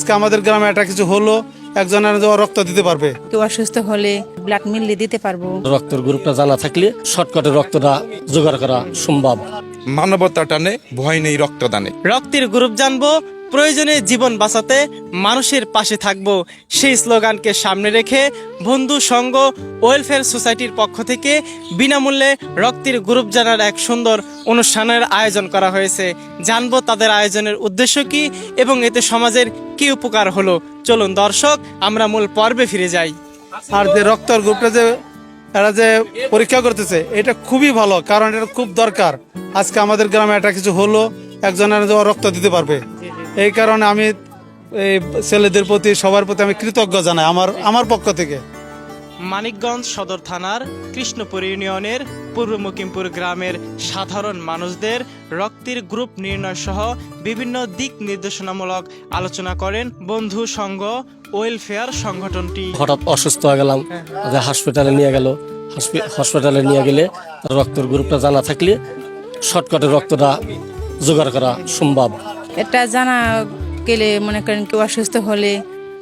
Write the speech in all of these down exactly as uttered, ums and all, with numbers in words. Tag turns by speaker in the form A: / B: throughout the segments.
A: আজকে আমাদের গ্রামে একটা কিছু হলো, একজনের রক্ত দিতে পারবে।
B: কেউ অসুস্থ হলে ব্লাড মিললে দিতে পারবো।
C: রক্তের গ্রুপটা জানা থাকলে শর্টকাটে রক্তটা জোগাড় করা সম্ভব।
D: মানবতা টানে ভয় নেই রক্তদানে।
E: রক্তের গ্রুপ জানবো, প্রয়োজনে জীবন বাঁচাতে মানুষের পাশে থাকবো, সেই স্লোগানকে সামনে রেখে বন্ধু সংঘ ওয়েলফেয়ার সোসাইটির পক্ষ থেকে বিনামূল্যে রক্তের গ্রুপ জানার এক সুন্দর অনুষ্ঠানের আয়োজন করা হয়েছে। জানবো তাদের আয়োজনের উদ্দেশ্য কি এবং এতে সমাজের কি উপকার হলো। চলুন দর্শক, আমরা মূল পর্বে ফিরে যাই।
A: আর যে রক্তের গ্রুপটা যে এরা যে পরীক্ষা করতেছে, এটা খুবই ভালো, কারণ এটা খুব দরকার। আজকে আমাদের গ্রামে একটা কিছু হলো, একজনের রক্ত দিতে পারবে। এই কারণে আমি এই ছেলেদের প্রতি, সবার প্রতি আমি কৃতজ্ঞ জানাই আমার আমার পক্ষ থেকে।
E: মানিকগঞ্জ সদর থানার কৃষ্ণপুর ইউনিয়নের পূর্ব মুকিমপুর গ্রামের সাধারণ মানুষদের রক্তের গ্রুপ নির্ণয় সহ বিভিন্ন দিক নির্দেশনামূলক আলোচনা করেন বন্ধু সংঘ ওয়েলফেয়ার সংগঠনটি।
C: হঠাৎ অসুস্থ হয়ে গেলাম, হাসপাতালে নিয়ে গেল। হসপিটালে নিয়ে গেলে রক্তের গ্রুপটা জানা থাকলে শর্টকাটে রক্তটা জোগাড় করা সম্ভব।
B: এটা জানা গেলে মনে করেন কেউ অসুস্থ হলে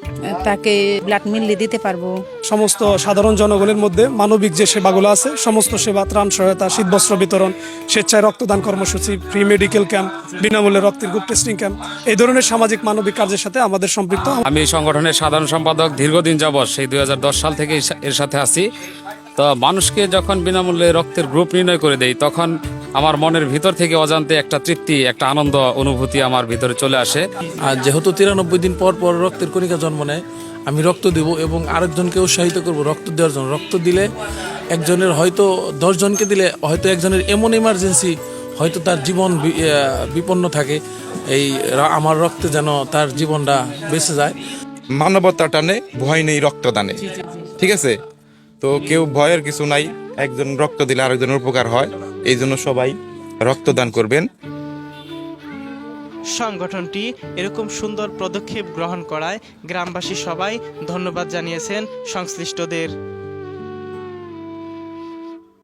B: তাকে ব্লাড মিললে দিতে পারবো।
F: সমস্ত সাধারণ জনগণের মধ্যে মানবিক যে সেবাগুলো আছে, সমস্ত সেবা, ত্রাণ সহায়তা, শীতবস্ত্র বিতরণ, স্বেচ্ছায় রক্তদান কর্মসূচি, ফ্রি মেডিকেল ক্যাম্প, বিনামূল্যে রক্তের গ্রুপ টেস্টিং ক্যাম্প, এই ধরনের সামাজিক মানবিক কাজের সাথে আমাদের সম্পৃক্ত।
G: আমি এই সংগঠনের সাধারণ সম্পাদক দীর্ঘদিন যাবৎ, সেই দুই হাজার দশ সাল থেকে এর সাথে আছি। তো মানুষকে যখন বিনামূল্যে রক্তের গ্রুপ নির্ণয় করে দেই, তখন আমার মনের ভিতর থেকে অজান্তে একটা তৃপ্তি, একটা আনন্দ অনুভূতি আমার ভিতরে চলে আসে।
H: আর যেহেতু তিরানব্বই দিন পর পর রক্তের কণিকা জন্ম নেয়, আমি রক্ত দেব এবং আরেকজনকে উৎসাহিত করব রক্ত দেওয়ার জন্য। রক্ত দিলে একজনের, হয়তো দশজনকে দিলে হয়তো একজনের এমন ইমার্জেন্সি, হয়তো তার জীবন বিপন্ন থাকে, এই আমার রক্তে যেন তার জীবনটা বেঁচে যায়।
D: মানবতা টানে ভয় নেই রক্তদানে। ঠিক আছে, তো কেউ ভয়ের কিছু নাই, একজন রক্ত দিলে আরেকজনের উপকার হয়, এই জন্য সবাই রক্তদান করবেন।
E: সংগঠনটি এরকম সুন্দর পদক্ষেপ গ্রহণ করায় গ্রামবাসী সবাই ধন্যবাদ জানিয়েছেন সংশ্লিষ্টদের।